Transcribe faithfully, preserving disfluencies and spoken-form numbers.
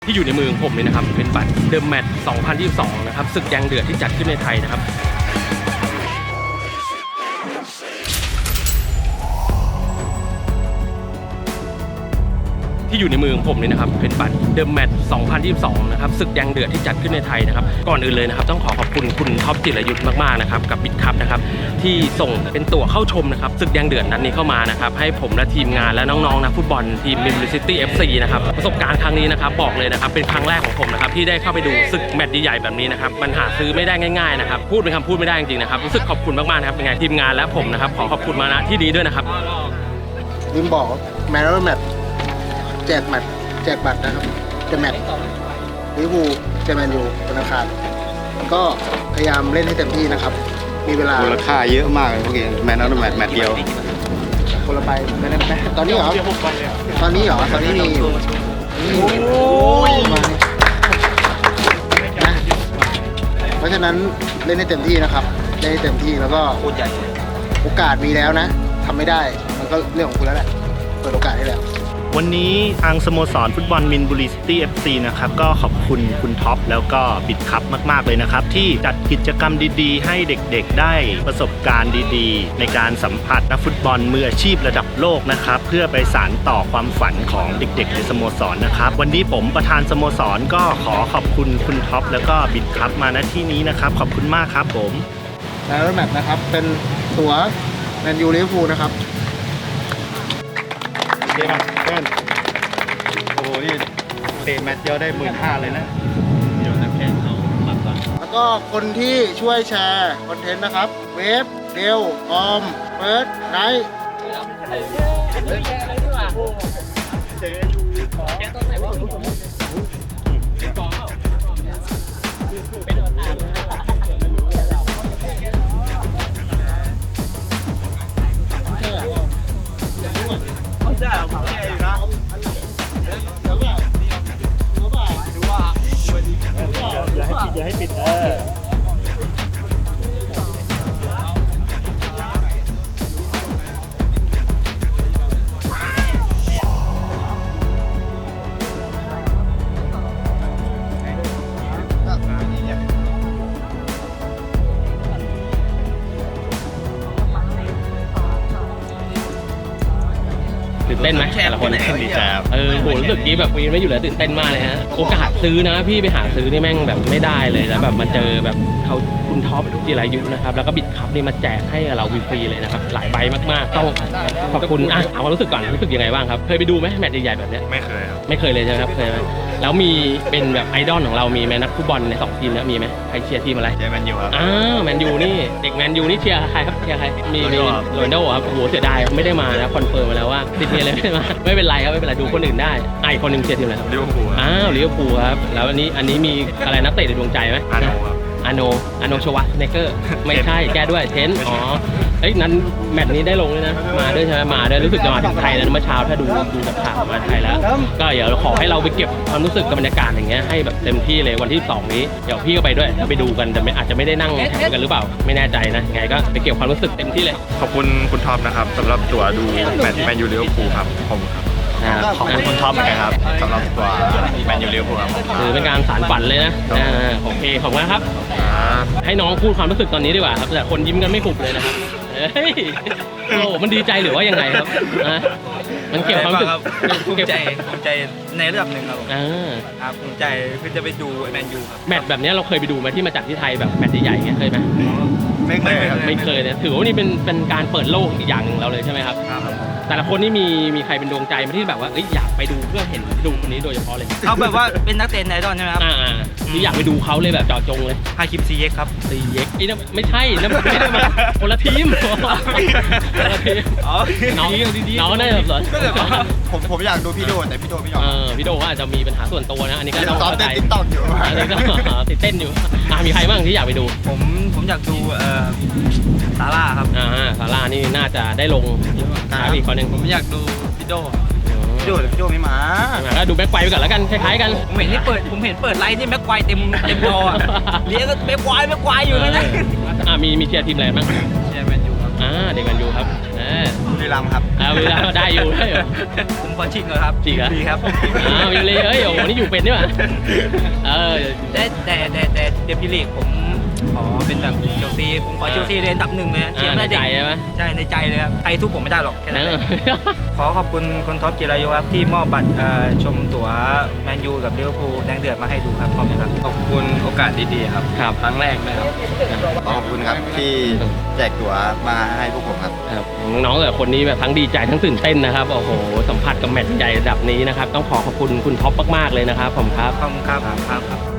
ที่อยู่ในมือของผมนี่นะครับเป็นบัตรเดิมแมตช์สองพันยี่สิบสองนะครับศึกแดงเดือดที่จัดขึ้นในไทยนะครับที่อยู่ในมือของผมนี่นะครับเป็นบัตรเดิมแมตช์สองพันยี่สิบสองนะครับศึกแดงเดือดที่จัดขึ้นในไทยนะครับก่อนอื่นเลยนะครับต้องขอขอบคุณคุณท็อปจิรยุทธ์มากๆนะครับกับบิ๊กคัพนะครับที่ส่งเป็นตั๋วเข้าชมนะครับศึกแดงเดือดนัดนี้เข้ามานะครับให้ผมและทีมงานและน้องๆนักฟุตบอลทีมมิมลิซิตี้เอฟซีนะครับประสบการณ์ครั้งนี้นะครับบอกเลยนะครับเป็นครั้งแรกของผมนะครับที่ได้เข้าไปดูศึกแมตช์ใหญ่ๆแบบนี้นะครับมันหาซื้อไม่ได้ง่ายๆนะครับพูดเป็นคำพูดไม่ได้จริงๆนะครับรู้สึกขอบคุณมากๆนะครับยังไงทีมงานและผมนะครับขอขอบคุณมาณที่นี้ด้วยนะครับลืมบอกแมตช์แมตช์แจกแมตช์แจกบัตรนะครับจะแมตช์ลิเวอร์พูลเจอแมนยูวันอังคารก็พยายามเล่นให้เต็มที่นะครับมีเวลามูลค่าเยอะมากเลยพวกเองแมตช์นั้นแมตช์แมตช์เดียวคนละใบแมตช์แมตช์ตอนนี้เหรอตอนนี้เหรอตอนนี้มีอยู่โอ้ยนะเพราะฉะนั้นเล่นให้เต็มที่นะครับเล่นให้เต็มที่แล้วก็โอกาสมีแล้วนะทำไม่ได้มันก็เรื่องของคุณแล้วแหละเปิดโอกาสให้แล้ววันนี้ทางสโมสรฟุตบอลมินบุรีซิตี้ เอฟ ซี นะครับก็ขอบคุณคุณท็อปแล้วก็บิ๊กคัพมากๆเลยนะครับที่จัดกิจกรรมดีๆให้เด็กๆได้ประสบการณ์ดีๆในการสัมผัสนักฟุตบอลมืออาชีพระดับโลกนะครับเพื่อไปสานต่อความฝันของเด็กๆในสโมสรนะครับวันนี้ผมประธานสโมสรก็ขอขอบคุณคุณท็อปแล้วก็บิ๊กคัพมาณที่นี้นะครับขอบคุณมากครับผมแล้วแมตช์นะครับเป็นตั๋วแมนยูลิเวอร์พูลนะครับเพื่อนเพื่อนโอ้โหนี่เตะแมตช์เดียวได้หมื่นห้าเลยนะเดี๋ยวนักแข่งเขาปัดก่อนแล้วก็คนที่ช่วยแชร์คอนเทนต์นะครับเวฟเดลออมเฟิร์สไนท์อย่าให้ปิดเออตื่นเต้นไหมแต่ละคนดีใจครับเออโหรู้สึกกี้แบบวีนไม่อยู่แล้วตื่นเต้นมากเลยฮะโอกาสซื้อนะพี่ไปหาซื้อนี่แม่งแบบไม่ได้เลยแล้วแบบมาเจอแบบเขาคุณท็อปจิรายุทธ์นะครับแล้วก็บิ๊กคัพนี่มาแจกให้เราฟรีๆเลยนะครับหลายใบมากๆต้องขอบคุณอ่ะเอาความรู้สึกก่อนรู้สึกยังไงบ้างครับเคยไปดูไหมแมตช์ใหญ่ๆแบบนี้ไม่เคยครับไม่เคยเลยใช่ไหมครับเคยไหมแล้วมีเป็นแบบไอดอลของเรามีไหมนักฟุตบอลในสองทีมนะมีไหมใครเชียร์ทีมอะไรเชียร์แมนยูครับอ้าวแมนยูนี่เด็กแมนยูนี่เชียร์ใครครับเชียร์ใครมีมีโรนัลโดครับโอ้โหเสียดายไม่ได้มานะคอนเฟิร์มมาแล้วว่าติดเมียเลยไม่ได้มาไม่เป็นไรครับไม่เป็นไรดูคนอื่นได้ไอคนหนึ่งเชียร์ทีมอะไรครับลิเวอร์พูลอ้าวลิเวอร์พูลครับแล้วอันนี้อันนี้มีอะไรนักเตะในดวงใจไหมอาโนครับอาโนอาโนชวัตเนเกอร์ไม่ใช่แก้ด้วยเทนอ๋อเอ้ยนั้นแมตช์นี้ได้ลงเลยนะมาด้วยใช่ไหมมาด้วยรู้สึกจะมาถึงไทยแล้วเมื่อเช้าถ้าดูดูจากข่าวมาไทยแล้วก็เดี๋ยวขอให้เราไปเก็บความรู้สึกกับบรรยากาศอย่างเงี้ยให้แบบเต็มที่เลยวันที่สองนี้เดี๋ยวพี่ก็ไปด้วยไปดูกันแต่อาจจะไม่ได้นั่งแข่งกันหรือเปล่าไม่แน่ใจนะไงก็ไปเก็บความรู้สึกเต็มที่เลยขอบคุณคุณท็อปนะครับสำหรับตั๋วดูแมตช์แมนยูลิเวอร์พูลครับขอบคุณครับขอบคุณคุณท็อปเหมือนกันครับสำหรับตัวแมนยูลิเวอร์พูลครับถือเป็นการสานฝันเลยนะโอเคขอบคุณครับให้น้องพูดความรู้สึกตอนนี้ดีกว่าครับแต่คนยิ้มกันไม่หุบเลยนะครับเฮ้ยโอ้มันดีใจหรือว่ายังไงครับมันเกี่ยวความรู้สึกภูมิใจภูมิใจในระดับหนึ่งครับอ่าครับภูมิใจคือจะไปดูแมนยูครับแมตช์แบบนี้เราเคยไปดูมาที่มาจากที่ไทยแบบแมตช์ใหญ่ๆเงี้ยเคยไหมไม่เคยครับไม่เคยเนี่ยถือว่านี่เป็นเป็นการเปิดโลกอีกอย่างหนึ่งเราเลยใช่ไหมครับแต่ละคนนี่มีมีใครเป็นดวงใจมาที่แบบว่าอยากไปดูเพื่อเห็นดูคนนี้โดยเฉพาะเลยเขาแบบว่าเป็นนักเตะไอดอลใช่ไหมครับอ่าที่อยากไปดูเขาเลยแบบเจาะจงเลยฮาคิมซีเอ็กครับซีเอ็กไอ้นั่นไม่ใช่นั่นไม่ได้มาคนละทีมคนละทีมน้องน้องน่าจะสนผมผมอยากดูพี่โดแต่พี่โดไม่ยอมเออพี่โดว่าอาจจะมีปัญหาส่วนตัวนะอันนี้ก็ต้องเข้าใจติดต่ออยู่อันนี้ก็ติดเต้นอยู่มีใครบ้างที่อยากไปดูผมผมอยากดูเอ่อซาร่าครับอ่าซาร่านี่น่าจะได้ลงอีกคนหนึ่งผมอยากดูพี่โดพี่โดพี่โดไม่มาก็ดูแบ็คไกวไปก่อนแล้วกันคล้ายๆกันผมเห็นที่เปิดผมเห็นเปิดไลน์นี่แบ็คไกวเต็มเต็มจอเลี้ยงก็แบ็คไกวแบ็คไกวอยู่เลยนะอ่ามีมีเชียร์ทีมอะไรบ้างเชียร์แมนยูครับอ่าเด็กแมนยูครับเออบุรีรัมย์ครับเอาเวลาได้อยู่ได้อยู่ผมขอชิงเลยครับจริงเหรอฟรีครับอ้าวอยู่เลยเอ้ยโอ้โหนี่อยู่เป็นนี่หว่าเออแต่แต่แต่แต่เดพิลีกผมขอเป็นแบบเชลซีผมขอเชลซีเรียนอันดับหนึ่งเลยนะเชียร์ในได้ใจเด็กใช่ไหมใช่ในใจเลยครับใครทุบผมไม่ได้หรอกแค่เอนั้นเลอยขอขอบคุณคุณท็อปจิรายุครับที่มอบบัตรเอ่อชมตั๋วแมนยูกับลิเวอร์พูลแดงเดือดมาให้ดูครับขอบคุณครับขอบคุณโอกาสดีๆครับครับครั้งแรกนะครับขอบคุณครับที่แจกตั๋วมาให้พวกผมครับครับน้องๆแต่ละคนนี้แบบทั้งดีใจทั้งตื่นเต้นนะครับโอ้โหสัมผัสกับแมตช์ใหญ่ระดับนี้นะครับต้องขอขอบคุณคุณท็อปมากๆเลยนะครับผมครับขอบคุณครับครับ